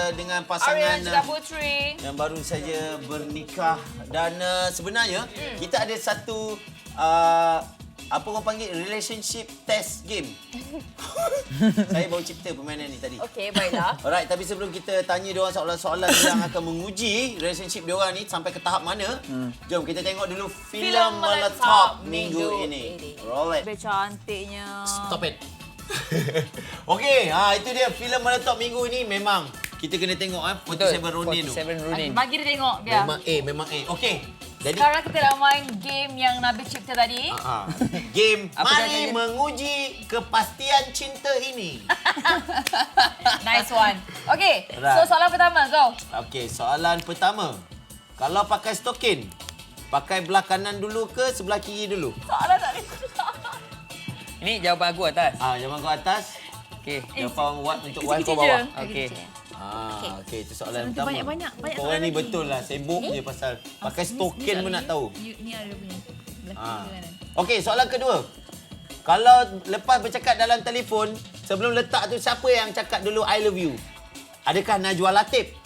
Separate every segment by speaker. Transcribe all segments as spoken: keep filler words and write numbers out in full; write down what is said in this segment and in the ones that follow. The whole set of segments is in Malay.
Speaker 1: dengan pasangan
Speaker 2: Ariel dan Putri
Speaker 1: yang baru saja bernikah. Dan uh, sebenarnya hmm. kita ada satu uh, apa orang panggil relationship test game. Saya baru cipta permainan ni tadi.
Speaker 2: Okey, baiklah.
Speaker 1: Alright, tapi sebelum kita tanya diorang soalan-soalan yang akan menguji relationship diorang ni sampai ke tahap mana, hmm. jom kita tengok dulu filem meletop minggu ini. Roll it.
Speaker 2: Lebih cantiknya.
Speaker 1: Stop it. Okey, ha itu dia filem meletop minggu ini. Memang kita kena tengok eh forty-seven Ronin tu.
Speaker 3: forty-seven Ronin.
Speaker 2: Bagi dia tengok biar.
Speaker 1: Memang A, memang A. Okey. Jadi
Speaker 2: sekarang kita nak main game yang Nabil cipta tadi.
Speaker 1: uh, game
Speaker 3: Apa
Speaker 1: mari menguji kepastian cinta ini.
Speaker 2: Nice one. Okey,
Speaker 1: Right.
Speaker 2: so soalan pertama, go.
Speaker 1: Okey, soalan pertama. Kalau pakai stokin, pakai belah kanan dulu ke sebelah kiri dulu?
Speaker 2: Soalan tak ada.
Speaker 3: Ini jawapan aku atas.
Speaker 1: Ah, jawapan kau atas.
Speaker 3: Okey.
Speaker 1: Jawapan what untuk
Speaker 2: kecil-kecil
Speaker 1: wife kau bawah.
Speaker 2: je.
Speaker 3: Okey.
Speaker 1: Ah, okey, itu soalan
Speaker 2: Soalan tu
Speaker 1: pertama.
Speaker 2: banyak-banyak, banyak
Speaker 1: Korang
Speaker 2: soalan
Speaker 1: ni
Speaker 2: lagi.
Speaker 1: betul lah, sibuk je pasal pakai stokin pun nak tahu.
Speaker 2: Ni ada punya. Belah
Speaker 1: Ah.
Speaker 2: kiri kanan.
Speaker 1: Okey, soalan kedua. Kalau lepas bercakap dalam telefon, sebelum letak tu siapa yang cakap dulu I love you? Adakah Najwa Latif?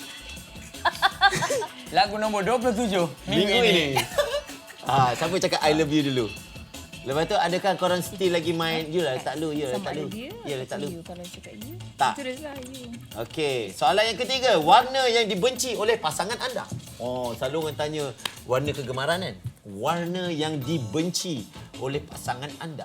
Speaker 3: Lagu nombor dua puluh tujuh minggu,
Speaker 1: Minggu
Speaker 3: ini.
Speaker 1: ini. Ah, siapa cakap I love you dulu? Lepas tu adakah korang still lagi main you lah letak lu, you lah letak
Speaker 2: Sama ada
Speaker 1: lu.
Speaker 2: dia.
Speaker 1: Ya letak lu.
Speaker 2: You kalau cakap you.
Speaker 1: Tak.
Speaker 2: Itu dah you.
Speaker 1: Okey, soalan yang ketiga, warna yang dibenci oleh pasangan anda. Oh, selalu orang tanya warna kegemaran kan? Warna yang dibenci oleh pasangan anda.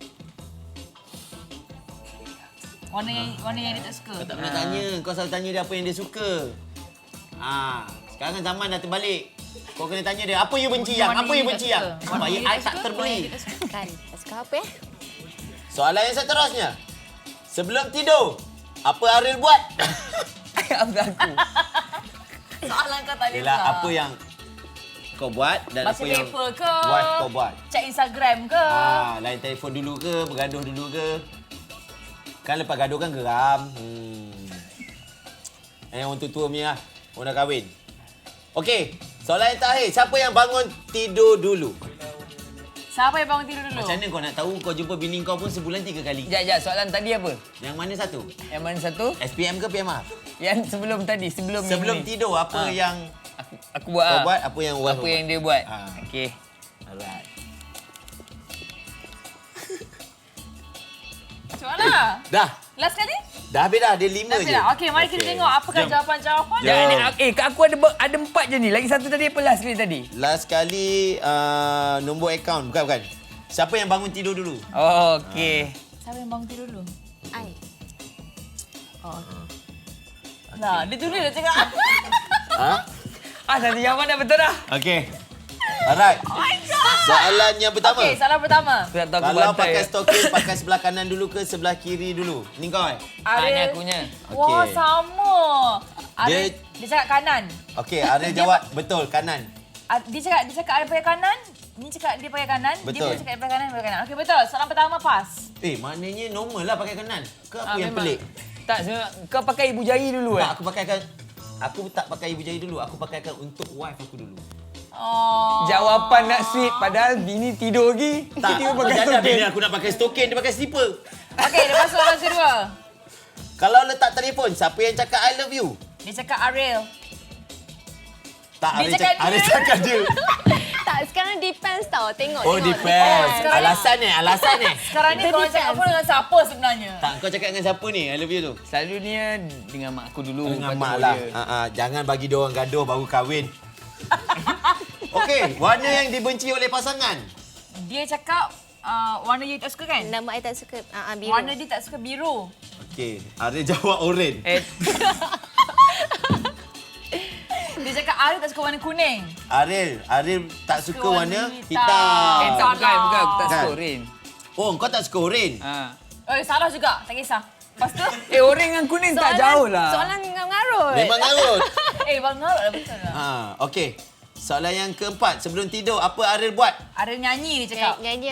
Speaker 2: Warna yang warna yang dia tak suka.
Speaker 1: Kau tak pernah tanya, kau selalu tanya dia apa yang dia suka. Ah, sekarang zaman dah terbalik. Kau kena tanya dia, apa you benci yang?
Speaker 2: Warna
Speaker 1: Apa you
Speaker 2: yang
Speaker 1: benci
Speaker 2: tak
Speaker 1: yang?
Speaker 2: suka.
Speaker 1: Supaya
Speaker 2: Warna yang
Speaker 1: I
Speaker 2: tak
Speaker 1: tak
Speaker 2: suka,
Speaker 1: terbeli.
Speaker 2: warna yang tak suka.
Speaker 4: Kan, tak suka apa ya?
Speaker 1: Soalan yang seterusnya. Sebelum tidur, apa Ariel buat?
Speaker 3: Apa aku?
Speaker 2: Soalan kau tak boleh
Speaker 1: Yelah,
Speaker 2: buat.
Speaker 1: apa yang kau buat dan
Speaker 2: Baca
Speaker 1: apa yang
Speaker 2: paper ke?
Speaker 1: wife kau buat?
Speaker 2: Cek Instagram ke?
Speaker 1: Ah, lain telefon dulu ke? Bergaduh dulu ke? Kan lepas gaduh kan geram. Hmm. Eh, orang tua-tua punya lah. Orang dah kahwin. Okey, soalan yang terakhir. Siapa yang bangun tidur dulu?
Speaker 2: Siapa yang bangun tidur dulu?
Speaker 1: Macam mana kau nak tahu kau jumpa bini kau pun sebulan tiga kali?
Speaker 3: Sekejap, sekejap. Soalan tadi apa?
Speaker 1: Yang mana satu?
Speaker 3: Yang mana satu?
Speaker 1: S P M ke P M R?
Speaker 3: Yang sebelum tadi, sebelum
Speaker 1: Sebelum
Speaker 3: minggu ni.
Speaker 1: tidur, apa
Speaker 3: Ah.
Speaker 1: yang
Speaker 3: Aku, aku buat.
Speaker 1: kau
Speaker 3: ah.
Speaker 1: buat, apa yang wife
Speaker 3: Apa
Speaker 1: kau
Speaker 3: yang
Speaker 1: buat?
Speaker 3: dia buat.
Speaker 1: Ah.
Speaker 3: Okey.
Speaker 1: Alright.
Speaker 2: Macam mana?
Speaker 1: Dah.
Speaker 2: Last kali?
Speaker 1: Dah habis dah. Dia lima
Speaker 2: Last
Speaker 1: je.
Speaker 2: kali dah. Okey, mari kita
Speaker 1: Okey.
Speaker 2: tengok apakah
Speaker 1: Jom.
Speaker 2: jawapan-jawapan.
Speaker 1: Jom.
Speaker 3: Dan, eh, kat aku ada ber- ada empat je ni. Lagi satu tadi apa last kali tadi?
Speaker 1: Last kali uh, nombor akaun. Bukan, bukan. Siapa yang bangun tidur dulu?
Speaker 3: Oh, okey.
Speaker 2: Siapa yang bangun tidur dulu?
Speaker 4: I.
Speaker 2: Oh, okey. Nah, dia tulis dah cakap.
Speaker 1: Ha?
Speaker 3: Ah, satu jawapan dah betul dah.
Speaker 1: Okey. Alright.
Speaker 2: Oh my God.
Speaker 1: Soalan yang pertama.
Speaker 2: Okey, soalan pertama.
Speaker 3: Aku tak tahu aku
Speaker 1: Kalau
Speaker 3: bantai.
Speaker 1: pakai stokin, pakai sebelah kanan dulu ke sebelah kiri dulu? Ni kau eh?
Speaker 3: Ah, ni
Speaker 2: Ariel.
Speaker 3: akunya.
Speaker 2: Wah,
Speaker 1: Okey.
Speaker 2: sama. Ariel,
Speaker 1: Dia-
Speaker 2: dia, cakap kanan.
Speaker 1: Okey, Ariel jawab betul, kanan.
Speaker 2: Ah, Dia cakap dia cakap Ariel pakai kanan. Ni cakap dia pakai kanan. Dia
Speaker 1: Betul.
Speaker 2: pun cakap dia pakai kanan, dia pakai kanan. Okey, betul. Soalan pertama pas.
Speaker 1: Eh, maknanya normal lah pakai kanan. Ke apa
Speaker 3: Ah,
Speaker 1: yang
Speaker 3: memang.
Speaker 1: pelik?
Speaker 3: Tak, sebenarnya kau pakai ibu jari dulu
Speaker 1: Tak,
Speaker 3: eh?
Speaker 1: aku pakaikan... Aku tak pakai ibu jari dulu. Aku pakaikan untuk wife aku dulu.
Speaker 2: Oh.
Speaker 3: Jawapan nak sweet padahal bini tidur lagi.
Speaker 1: Tak,
Speaker 3: Tiba
Speaker 1: aku
Speaker 3: pakai
Speaker 1: jaga
Speaker 3: stokin.
Speaker 1: bini aku nak pakai stokin, dia pakai slipper.
Speaker 2: Okey, lepas soalan kedua.
Speaker 1: Kalau letak telefon, siapa yang cakap I love you?
Speaker 2: Dia cakap Ariel.
Speaker 1: Tak,
Speaker 2: Dia
Speaker 1: Ariel
Speaker 2: cakap
Speaker 1: cakap, Ariel
Speaker 2: dia.
Speaker 1: cakap dia.
Speaker 4: Tak, sekarang depends tau. Tengok,
Speaker 1: Oh,
Speaker 4: tengok.
Speaker 1: depends.
Speaker 2: sekarang-
Speaker 1: Alasan eh, alasan eh.
Speaker 2: Sekarang ni
Speaker 4: Itu
Speaker 2: korang cakap
Speaker 4: depends.
Speaker 2: apa dengan siapa sebenarnya?
Speaker 1: Tak, kau cakap dengan siapa ni? I love you tu.
Speaker 3: Selalunya dengan mak aku dulu.
Speaker 1: Dengan
Speaker 3: lepas tu
Speaker 1: mak
Speaker 3: baru
Speaker 1: lah.
Speaker 3: dia.
Speaker 1: Ha, ha, jangan bagi dia orang gaduh baru kahwin. Okey, warna yang dibenci oleh pasangan.
Speaker 2: Dia cakap uh, warna you tak suka kan?
Speaker 4: Nama I tak suka uh, biru.
Speaker 2: Warna dia tak suka biru.
Speaker 1: Okey, Ariel jawab oren.
Speaker 3: Eh,
Speaker 2: Dia cakap Ariel tak suka warna kuning.
Speaker 1: Ariel, Ariel tak suka
Speaker 2: Suka warna
Speaker 1: warna
Speaker 2: hitam.
Speaker 1: hitam.
Speaker 3: eh tak, bukan, bukan. Aku tak
Speaker 1: Kan?
Speaker 3: suka oren.
Speaker 1: Oh, kau tak suka oren?
Speaker 3: Ha.
Speaker 2: Oh, salah juga. Tak kisah. Lepas tu,
Speaker 3: Eh, oren dengan kuning tak jauh lah.
Speaker 4: Soalan mengarut.
Speaker 1: Memang ngarut.
Speaker 2: eh, bang ngarut lah betul lah.
Speaker 1: Ha, okey. Soalan yang keempat, sebelum tidur apa Ariel buat?
Speaker 2: Ariel nyanyi dia cakap.
Speaker 4: Nyanyi.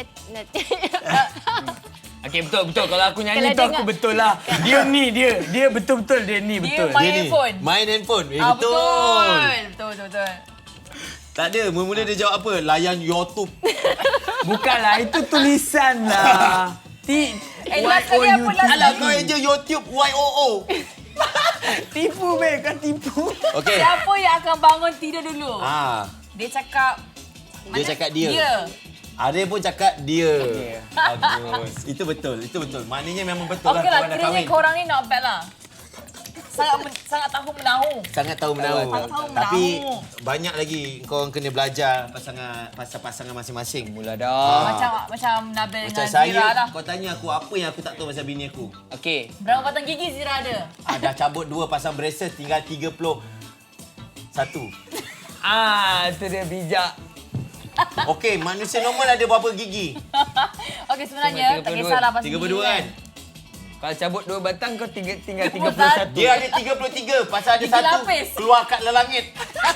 Speaker 3: Okey, betul, betul. Kalau aku nyanyi
Speaker 4: Kalau
Speaker 3: tu aku
Speaker 4: dengar-
Speaker 3: betul lah. Dia ni, dia. Dia betul-betul dia ni,
Speaker 2: Dia
Speaker 3: betul.
Speaker 2: main
Speaker 1: Dia ni,
Speaker 2: handphone.
Speaker 1: Main handphone. Eh,
Speaker 2: Ah,
Speaker 1: betul.
Speaker 2: betul. Betul, betul, betul.
Speaker 1: Tak ada. Mula-mula dia jawab apa? Layan YouTube.
Speaker 3: Bukanlah, itu tulisan lah. T
Speaker 2: Eh, last kali apa last
Speaker 1: Alah,
Speaker 2: kali?
Speaker 1: kau je YouTube Y O O.
Speaker 3: Tipu, Beb. Kau tipu.
Speaker 1: Okey.
Speaker 2: Siapa yang akan bangun tidur dulu?
Speaker 1: Ah,
Speaker 2: Dia cakap...
Speaker 1: dia cakap dia.
Speaker 2: Dia.
Speaker 1: Aril pun cakap dia. Bagus. Itu betul. Itu betul. Maknanya memang betul
Speaker 2: Okey lah,
Speaker 1: korang dah
Speaker 2: kiranya
Speaker 1: kahwin.
Speaker 2: korang ni not bad lah. Sangat men, sangat tahu menahu.
Speaker 1: Sangat tahu menahu.
Speaker 2: Sangat tahu
Speaker 1: Tapi
Speaker 2: menahu.
Speaker 1: banyak lagi kau kena belajar pasangan pasal pasangan masing-masing.
Speaker 3: Mula
Speaker 1: Ah.
Speaker 3: dah.
Speaker 2: Macam macam Nabil
Speaker 1: Macam
Speaker 2: dengan Zira
Speaker 1: saya,
Speaker 2: lah.
Speaker 1: kau tanya aku apa yang aku tak tahu pasal bini aku.
Speaker 3: Okey.
Speaker 2: Berapa batang gigi Zira ada?
Speaker 1: Ah, dah cabut dua pasang braces, tinggal tiga puluh satu.
Speaker 3: Ah, tu dia bijak.
Speaker 1: Okey, manusia normal ada berapa gigi?
Speaker 2: Okey, sebenarnya
Speaker 3: Cuma
Speaker 2: tak
Speaker 3: tiga puluh dua.
Speaker 2: kisahlah pasal
Speaker 1: tiga puluh dua kan?
Speaker 3: Kalau cabut dua batang, kau tinggal, tinggal
Speaker 2: tiga
Speaker 3: tiga
Speaker 2: puluh
Speaker 3: puluh
Speaker 2: satu.
Speaker 3: satu.
Speaker 1: Dia ada tiga puluh tiga pasal ada
Speaker 2: Gigi
Speaker 1: satu
Speaker 2: lapis.
Speaker 1: keluar kat langit.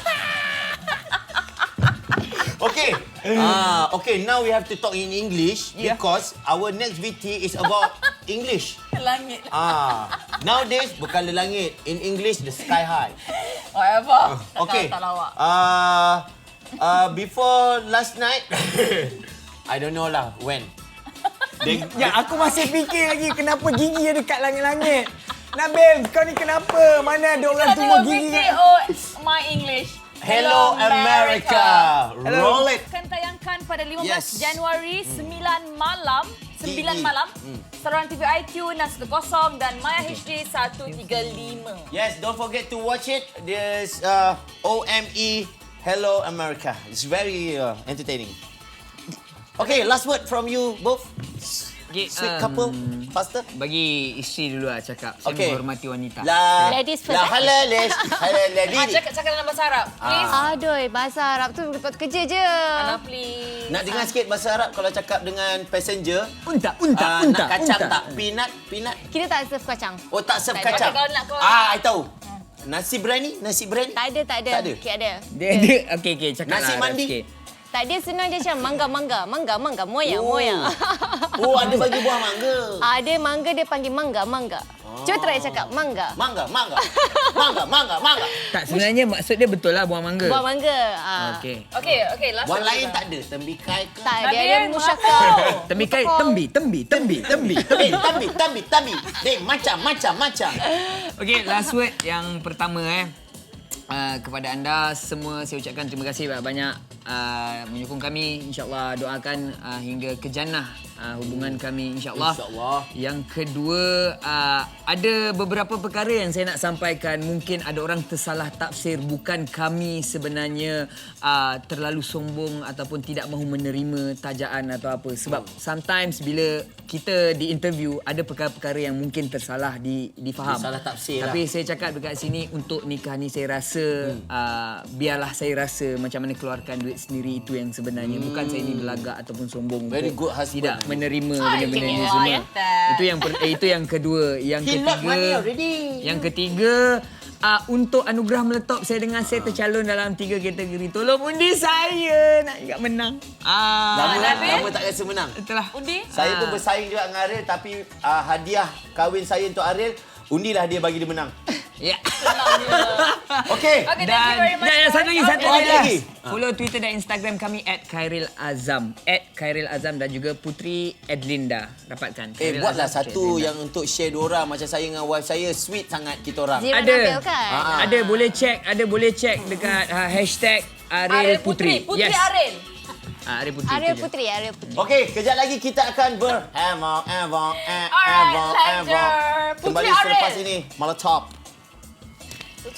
Speaker 1: Okay. Ah, okay, now we have to talk in English
Speaker 3: Yeah.
Speaker 1: because our next V T is about English.
Speaker 2: Langit.
Speaker 1: Ah, nowadays bukan le langit, in English the sky high.
Speaker 2: Whatever. Tak
Speaker 1: Okay.
Speaker 2: tahu, tak lawak.
Speaker 1: Uh, uh, before last night, I don't know lah when. They,
Speaker 3: Ya, aku masih fikir lagi kenapa gigi ada dekat langit-langit. Nabil, kau ni kenapa? Mana ada orang
Speaker 2: Kita
Speaker 3: tumbuh
Speaker 2: tengok
Speaker 3: gigi
Speaker 2: V T
Speaker 3: kat...
Speaker 2: O My English.
Speaker 1: Hello America.
Speaker 3: Hello.
Speaker 1: Roll it.
Speaker 2: Akan tayangkan pada lima belas
Speaker 1: Yes.
Speaker 2: Januari sembilan malam. sembilan
Speaker 1: T V.
Speaker 2: malam.
Speaker 1: Hmm.
Speaker 2: Saluran T V iTunes enam satu kosong dan Maya H D seratus tiga puluh lima.
Speaker 1: Yes, don't forget to watch it. There's uh, O M E Hello America. It's very uh, entertaining. Okay, last word from you both.
Speaker 3: Okay,
Speaker 1: Sweet
Speaker 3: um,
Speaker 1: couple, faster.
Speaker 3: Bagi isteri dulu lah cakap. Saya
Speaker 1: Okay.
Speaker 3: menghormati wanita.
Speaker 1: La,
Speaker 4: Ladies first,
Speaker 1: La
Speaker 4: eh?
Speaker 1: halalish,
Speaker 2: Ah,
Speaker 1: halaladi.
Speaker 2: cakap, cakap dalam bahasa Arab. Please.
Speaker 4: Aduh, bahasa Arab tu tempat kerja je.
Speaker 2: Ana, please.
Speaker 1: Nak dengar sikit bahasa Arab kalau cakap dengan passenger.
Speaker 3: Unta, unta,
Speaker 1: Ah,
Speaker 3: unta,
Speaker 1: nak kacang
Speaker 3: unta.
Speaker 1: tak? Peanut, peanut.
Speaker 4: Kita tak serve kacang.
Speaker 1: Oh, tak serve
Speaker 4: Tak ada.
Speaker 1: kacang.
Speaker 2: Okay, kalau nak kau-
Speaker 1: Ah, I tahu. Nasi berani, nasi berani.
Speaker 4: Tak ada, tak ada.
Speaker 1: Tak ada?
Speaker 4: Okey, ada.
Speaker 3: Dia, dia, okey, okey, cakap
Speaker 1: Nasi
Speaker 3: lah Arab
Speaker 1: mandi?
Speaker 3: sikit.
Speaker 4: Tak, dia senang je macam mangga, mangga. Mangga, mangga. Moya,
Speaker 1: Oh.
Speaker 4: moya.
Speaker 1: Oh, ada bagi buah mangga.
Speaker 4: Ada mangga, dia panggil mangga, mangga. Cuba try cakap mangga.
Speaker 1: Mangga, mangga. Mangga, mangga, mangga.
Speaker 3: Tak, sebenarnya maksud dia betul lah buah mangga.
Speaker 4: Buah mangga. Ah.
Speaker 3: Okey.
Speaker 2: Okey, okey. Last
Speaker 1: Buah
Speaker 2: word
Speaker 1: lain
Speaker 2: kita.
Speaker 1: tak ada. Tembikai ke?
Speaker 4: Tak, dia
Speaker 2: Nabil,
Speaker 4: ada musyakal.
Speaker 3: Tembikai, tembi, tembi, tembi, tembi.
Speaker 1: Tambi, tambi, tambi, tambi. Dek, macam, macam, macam.
Speaker 3: Okey, last word yang pertama eh. Uh, kepada anda semua saya ucapkan terima kasih banyak uh, menyokong kami, insya-Allah doakan uh, hingga ke jannah uh, hubungan kami, insya-Allah.
Speaker 1: InsyaAllah.
Speaker 3: Yang kedua, uh, ada beberapa perkara yang saya nak sampaikan, mungkin ada orang tersalah tafsir, bukan kami sebenarnya uh, terlalu sombong ataupun tidak mahu menerima tajaan atau apa, sebab sometimes bila kita di interview ada perkara-perkara yang mungkin tersalah di difaham.
Speaker 1: Salah tafsir lah.
Speaker 3: Tapi saya cakap dekat sini, untuk nikah ni saya rasa hmm. uh, biarlah saya rasa macam mana keluarkan duit sendiri, itu yang sebenarnya. Hmm. Bukan saya ni berlagak ataupun sombong
Speaker 1: Very
Speaker 3: untuk
Speaker 1: good husband.
Speaker 3: tidak menerima
Speaker 2: Ay,
Speaker 3: benda-benda ni
Speaker 2: okay.
Speaker 3: semua.
Speaker 2: Oh, ya, tak.
Speaker 3: Itu yang per- eh, itu yang kedua. Yang
Speaker 1: He
Speaker 3: ketiga,
Speaker 1: lost money already.
Speaker 3: Yang ketiga, uh, untuk anugerah meletop saya dengan saya tercalon dalam tiga kategori. Tolong undi saya nak juga menang. Ah,
Speaker 1: Lama,
Speaker 2: Nabil?
Speaker 1: lama tak rasa menang.
Speaker 3: itulah.
Speaker 2: Undi?
Speaker 1: Saya
Speaker 3: Ah.
Speaker 1: pun bersaing juga dengan Ariel, tapi uh, hadiah kahwin saya untuk Ariel, undilah dia bagi dia menang.
Speaker 3: Ya.
Speaker 1: Okey.
Speaker 2: Okay, thank you
Speaker 3: Dan,
Speaker 2: very much.
Speaker 3: dan yang satu lagi, satu
Speaker 1: Oh,
Speaker 3: lagi.
Speaker 1: ada lagi?
Speaker 3: Follow Twitter dan Instagram kami at Khairil Azam. At Khairil Azam dan juga Putri Edlinda. Dapatkan.
Speaker 1: Eh,
Speaker 3: Khairil
Speaker 1: buatlah
Speaker 3: Azam, Putri
Speaker 1: satu
Speaker 3: Edlinda.
Speaker 1: yang untuk share diorang. Macam saya dengan wife saya, sweet sangat kita orang.
Speaker 4: Zira
Speaker 3: Ada.
Speaker 4: Nabil kan?
Speaker 1: Ah.
Speaker 3: Ada, boleh check. Ada, boleh check dekat uh, hashtag Ariel
Speaker 2: Ariel
Speaker 3: Putri.
Speaker 2: Putri. Putri
Speaker 3: Yes.
Speaker 2: Ariel.
Speaker 3: Ah, Ariel Putri.
Speaker 4: Ariel
Speaker 3: tu je.
Speaker 4: Putri, Ariel Putri.
Speaker 1: Okey, kejap lagi kita akan ber... Evo, Evo,
Speaker 2: Alright,
Speaker 1: Evo, Evo.
Speaker 2: pleasure. Putri
Speaker 1: Kembali
Speaker 2: Ariel.
Speaker 1: selepas ini, Molotov.